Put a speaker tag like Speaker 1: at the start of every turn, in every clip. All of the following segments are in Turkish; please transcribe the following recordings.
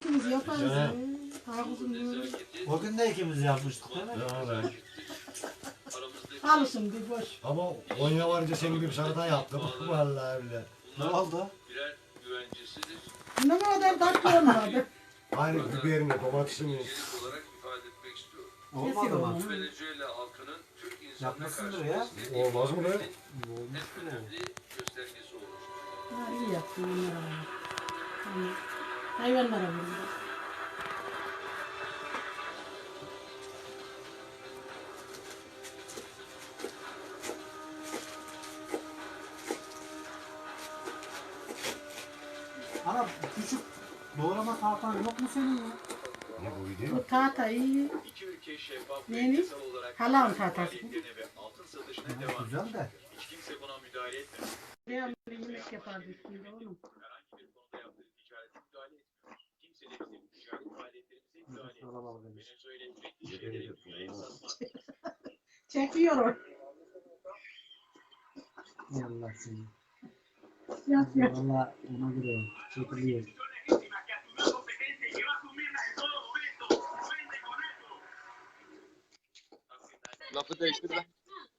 Speaker 1: ikimiz yaparız.
Speaker 2: Evet.
Speaker 1: Havuzunu.
Speaker 2: O gün de ikimiz yapmıştık değil mi?
Speaker 3: Evet.
Speaker 1: Alışın bir boş.
Speaker 3: Ama Konya varınca senin gibi bir salata yaptım. Vallahi öyle.
Speaker 2: Ne oldu?
Speaker 1: Ne kadar tatlı olmadı.
Speaker 3: Aynı biberini, domatesini.
Speaker 2: Olmadı mı?
Speaker 4: Venezuela halkının Türk insanına
Speaker 2: Yapmışsındır
Speaker 4: karşı
Speaker 2: ya.
Speaker 4: desteği
Speaker 3: Olmaz mı be?
Speaker 4: en önemli göstergesi olmuştur.
Speaker 1: Ha, iyi yaptın onlara. Hani hayvanlara vurdu.
Speaker 2: Ana küçük doğrama tahtan yok mu senin ya?
Speaker 3: Ne bu video?
Speaker 1: Bu tahtayı
Speaker 4: İki ülke şeffaf ve
Speaker 1: neymiş?
Speaker 4: yasal olarak
Speaker 1: Halam tahtası.
Speaker 4: faaliyetlerine ve altın satışına
Speaker 2: Ha,
Speaker 4: devam
Speaker 2: güzel
Speaker 4: ediyor.
Speaker 2: de.
Speaker 4: Hiç kimse buna müdahale etmedi.
Speaker 1: Devamlı yemek yapardı üstünde oğlum.
Speaker 4: Herhangi bir konuda yaptığı ticarete müdahale etmiyor. Kimse de bizim ticaret faaliyetlerimize müdahale etmiyor.
Speaker 2: Alabalık demiş.
Speaker 4: Venezuela ürettiği şeyleri dünyaya satmaz.
Speaker 1: Çekiyor o.
Speaker 2: Yallah seni.
Speaker 1: Yap yap.
Speaker 2: Valla ona göre çekiliyor.
Speaker 5: Lafı değiştir lan.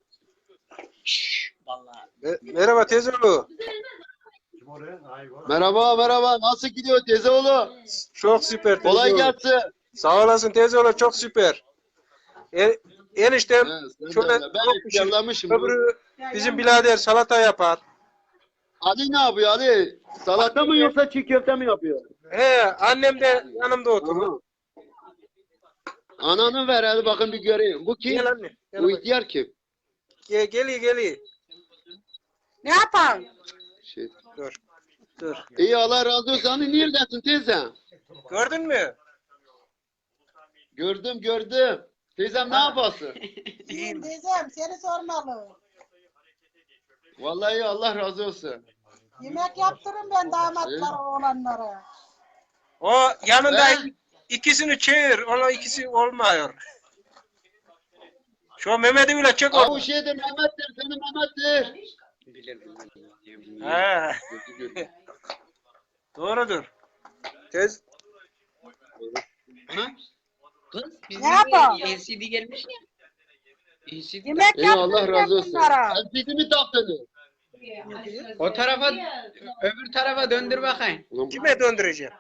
Speaker 6: Merhaba teyzeoğlu.
Speaker 3: Kim oraya? Ay var.
Speaker 5: Merhaba. Nasıl gidiyor teyzeoğlu?
Speaker 6: Çok süper
Speaker 5: Kolay
Speaker 6: teyzeoğlu.
Speaker 5: gelsin.
Speaker 6: Sağ olasın teyzeoğlu, çok süper. Eniştem
Speaker 5: He, sen de
Speaker 6: şöyle
Speaker 5: öyle. Ben
Speaker 6: çok pişir.
Speaker 5: ihtiyarlamışım.
Speaker 6: Öbürü bizim birader salata yapar.
Speaker 5: Ali ne yapıyor Ali? Salata mı yoksa çiğ köfte mi yapıyor?
Speaker 6: He, annem de yanımda oturur.
Speaker 5: Aha. Ananı ver hadi bakın bir göreyim. Bu kim?
Speaker 6: Gel anne. Gel,
Speaker 5: Bu ihtiyar kim?
Speaker 6: geliyor.
Speaker 1: Ne yapalım?
Speaker 5: Şey.
Speaker 6: Dur.
Speaker 5: İyi Allah razı olsun. Hani neredesin teyze?
Speaker 6: Gördün mü?
Speaker 5: Gördüm. Teyzem ne yapasın?
Speaker 6: İyiyim.
Speaker 7: Teyzem seni sormalı.
Speaker 5: Vallahi Allah razı olsun.
Speaker 7: Yemek yaptırın ben damatlara oğlanlara.
Speaker 6: O yanında
Speaker 5: He?
Speaker 6: ikisini çevir. Ona ikisi olmuyor. Şu Mehmet'i bile çek
Speaker 5: Aa, bu
Speaker 6: orada.
Speaker 5: şeydir Mehmet'tir. Senin Mehmet'tir.
Speaker 6: He. Doğrudur. Tez.
Speaker 5: Ha?
Speaker 8: Kız bizim
Speaker 7: Ne yapalım?
Speaker 8: LCD gelmiş ya. LCD
Speaker 7: Yemek
Speaker 5: İyi Allah
Speaker 7: yaptırın
Speaker 5: razı
Speaker 7: ben
Speaker 5: olsun.
Speaker 7: bunlara.
Speaker 5: Sen bizi mi taktınız?
Speaker 8: o tarafa öbür tarafa döndür bakayım.
Speaker 6: Kime döndüreceğim?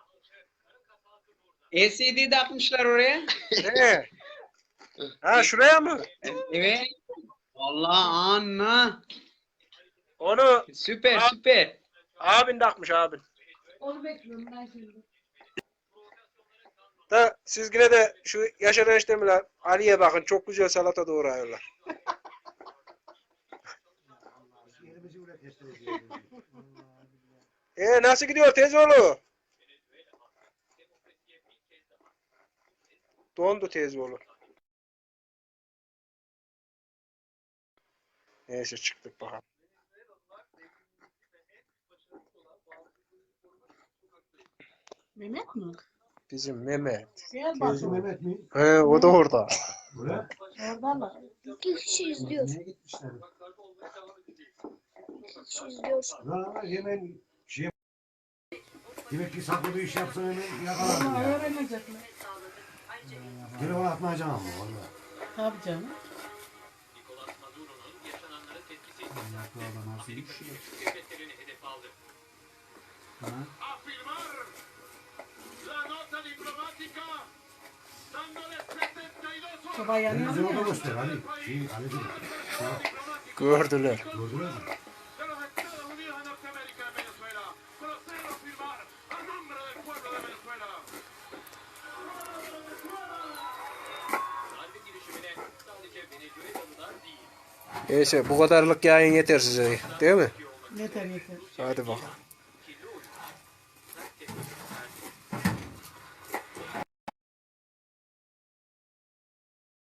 Speaker 8: LCD takmışlar oraya.
Speaker 6: He. Ha şuraya mı?
Speaker 8: Evet. Vallahi anla.
Speaker 6: Onu
Speaker 8: Süper.
Speaker 6: abin takmış abin.
Speaker 1: Onu bekliyorum ben şimdi.
Speaker 6: Da siz yine de şu Yaşar eniştemle Ali'ye bakın, çok güzel salata doğruyorlar. Nasıl gidiyor teyzeoğlu? Dondu teyzeoğlu. Neyse çıktık bakalım.
Speaker 1: Mehmet mi?
Speaker 6: Bizim Mehmet.
Speaker 1: Gel
Speaker 3: Teyze
Speaker 1: bakalım.
Speaker 3: Mehmet mi?
Speaker 6: He, o da orada.
Speaker 3: Buraya.
Speaker 1: Orada mı?
Speaker 7: İki kişi izliyor.
Speaker 2: Niye gitmişler?
Speaker 7: İki kişi izliyor.
Speaker 3: Ya hemen şey demek ki saklı bir iş yapsan hemen yakalarım
Speaker 1: Ama
Speaker 3: ya.
Speaker 1: öğrenecekler.
Speaker 3: Telefon atmayacağım ama valla.
Speaker 1: Tabii canım.
Speaker 2: Yaklarda nasıl iş? Ha?
Speaker 1: Soba yanıyor
Speaker 3: Televizyonu da
Speaker 1: mu?
Speaker 3: göster hadi. Hadi.
Speaker 6: Gördüler.
Speaker 3: Gördünüz mü?
Speaker 6: Neyse bu kadarlık yayın yeter size, değil mi?
Speaker 1: Yeter.
Speaker 6: Hadi bakalım.